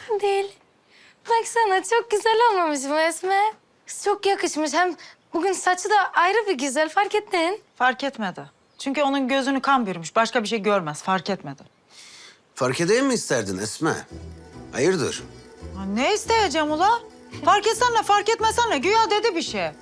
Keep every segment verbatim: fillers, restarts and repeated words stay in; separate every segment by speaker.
Speaker 1: Önemli değil. Baksana çok güzel olmamış mı Esme? Çok yakışmış. Hem bugün saçı da ayrı bir güzel. Fark ettin.
Speaker 2: Fark etmedi. Çünkü onun gözünü kan bürümüş. Başka bir şey görmez. Fark etmedi.
Speaker 3: Fark edeyim mi isterdin Esme? Hayırdır?
Speaker 2: Ha, ne isteyeceğim ula? Fark etsen ne, fark etmesen ne? Güya dedi bir şey.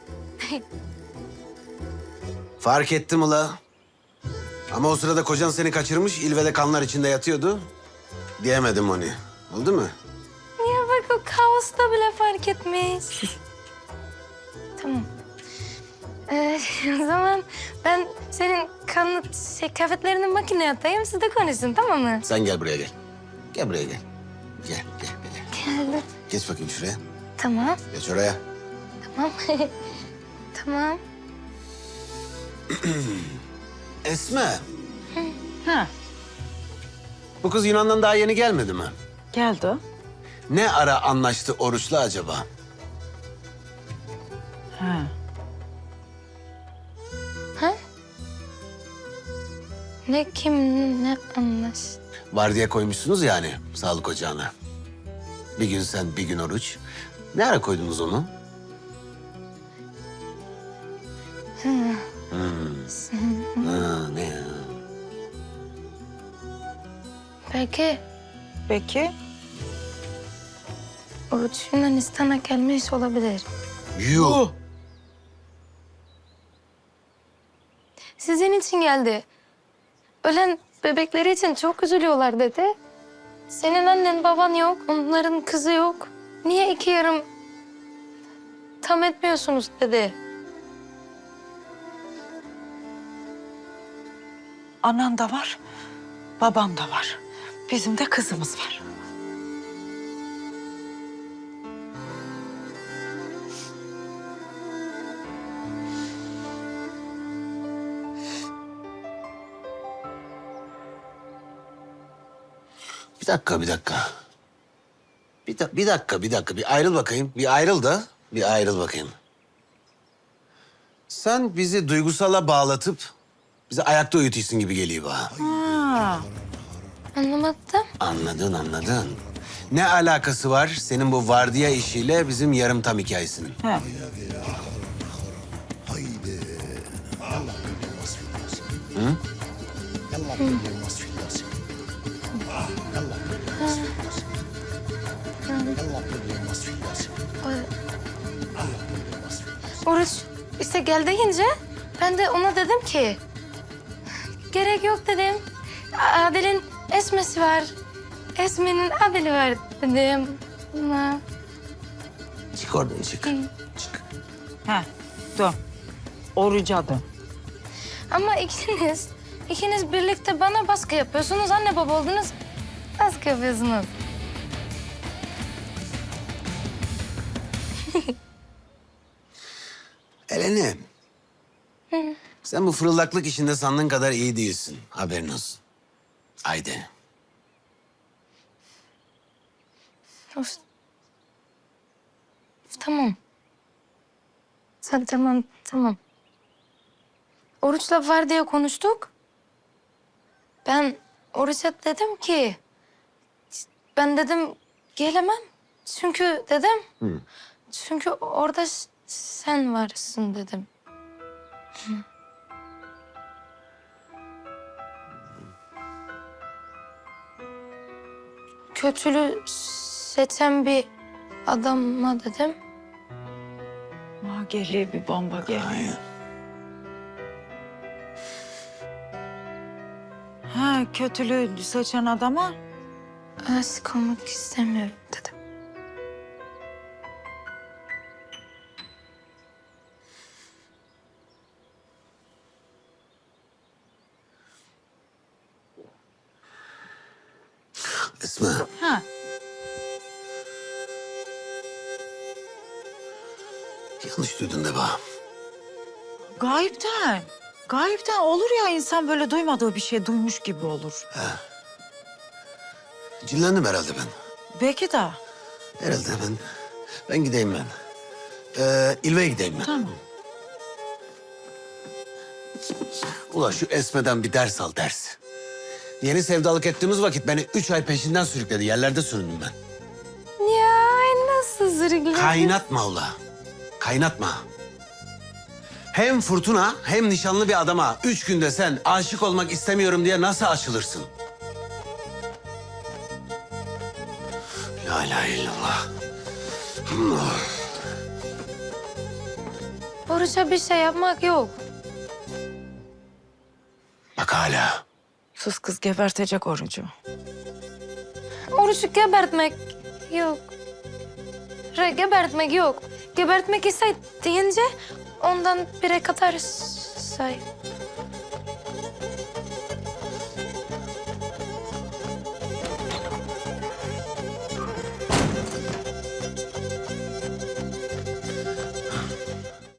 Speaker 3: Fark ettim ula. Ama o sırada kocan seni kaçırmış, ilvede kanlar içinde yatıyordu. Diyemedim onu. Oldu mu?
Speaker 1: Ya bak o kaosta bile fark etmiş. Tamam. Ee, o zaman ben senin kanlı şey, kıyafetlerini makineye atayım. Siz de konuşun, tamam mı?
Speaker 3: Sen gel buraya gel. Gel buraya gel. Gel, gel, gel.
Speaker 1: Geldim.
Speaker 3: Geç bakayım şuraya.
Speaker 1: Tamam.
Speaker 3: Geç oraya.
Speaker 1: Tamam. Tamam.
Speaker 3: Esme,
Speaker 2: Ha,
Speaker 3: bu kız Yunan'dan daha yeni gelmedi mi?
Speaker 2: geldi o.
Speaker 3: Ne ara anlaştı Oruç'la acaba?
Speaker 2: Ha.
Speaker 1: Ha? Ne kim ne anlaş?
Speaker 3: Vardiya koymuşsunuz yani sağlık ocağına. Bir gün sen, bir gün Oruç. Ne ara koydunuz onu? Hmm. Ha, ne ya?
Speaker 1: Belki
Speaker 2: Peki.
Speaker 1: Oruç Yunanistan'a gelmiş olabilir.
Speaker 3: Yuh!
Speaker 1: Sizin için geldi. Ölen bebekleri için çok üzülüyorlar dedi. Senin annen baban yok, onların kızı yok. Niye iki yarım tam etmiyorsunuz dedi.
Speaker 2: Anan da var, babam da var. Bizim de kızımız var.
Speaker 3: Bir dakika, bir dakika. Bir, da- bir dakika, bir dakika. Bir ayrıl bakayım. Bir ayrıl da. Bir ayrıl bakayım. Sen bizi duygusala bağlatıp bizi ayakta uyutuyorsun gibi geliyor bana.
Speaker 2: Ha.
Speaker 1: Anlamadım.
Speaker 3: Anladın, anladın. Ne alakası var senin bu vardiya işiyle bizim yarım tam hikayesinin?
Speaker 2: Ha.
Speaker 1: Oruç işte gel deyince ben de ona dedim ki... Gerek yok dedim. Adil'in Esme'si var. Esme'nin Adil'i var dedim. Ama
Speaker 3: Çık oradan, çık. Çık.
Speaker 2: Ha. Dön. Oruca dön.
Speaker 1: Ama ikiniz, ikiniz birlikte bana baskı yapıyorsunuz. Anne baba oldunuz, baskı yapıyorsunuz.
Speaker 3: Eleni. Sen bu fırıldaklık işinde sandığın kadar iyi değilsin. Haberin olsun. Haydi.
Speaker 1: Of. Tamam. Sen tamam, tamam. Oruç'la var diye konuştuk. Ben Oruç'a dedim ki... Ben dedim gelemem. Çünkü dedim...
Speaker 3: Hı.
Speaker 1: Çünkü orada s- sen varsın dedim. Hı. Kötülüğü seçen bir adama dedim.
Speaker 2: Ha, geliyor bir bomba geliyor.
Speaker 3: Hayır.
Speaker 2: Ha, kötülüğü seçen adama.
Speaker 1: Aşık olmak istemiyorum dedim.
Speaker 3: Esma.
Speaker 2: Ha.
Speaker 3: Yanlış duydun de bana.
Speaker 2: Gayipten. Gayipten olur ya, insan böyle duymadığı bir şey duymuş gibi olur.
Speaker 3: Cinlendim herhalde ben.
Speaker 2: Belki de.
Speaker 3: Herhalde ben. Ben gideyim ben. Ee, İlve'ye gideyim ben.
Speaker 2: Tamam.
Speaker 3: Ula şu Esme'den bir ders al, ders. Yeni sevdalık ettiğimiz vakit beni üç ay peşinden sürükledi. Yerlerde süründüm ben.
Speaker 1: nasıl zırgladın?
Speaker 3: Kaynatma ula. Kaynatma. Hem fırtına hem nişanlı bir adama üç günde sen aşık olmak istemiyorum diye nasıl açılırsın? La ilahe illallah.
Speaker 1: Oruç'a bir şey yapmak yok.
Speaker 3: Bak hala.
Speaker 2: Sus kız, gebertecek orucu.
Speaker 1: Oruç'u gebertmek yok. Re, gebertmek yok. Gebertmek ise deyince ondan bire kadar say.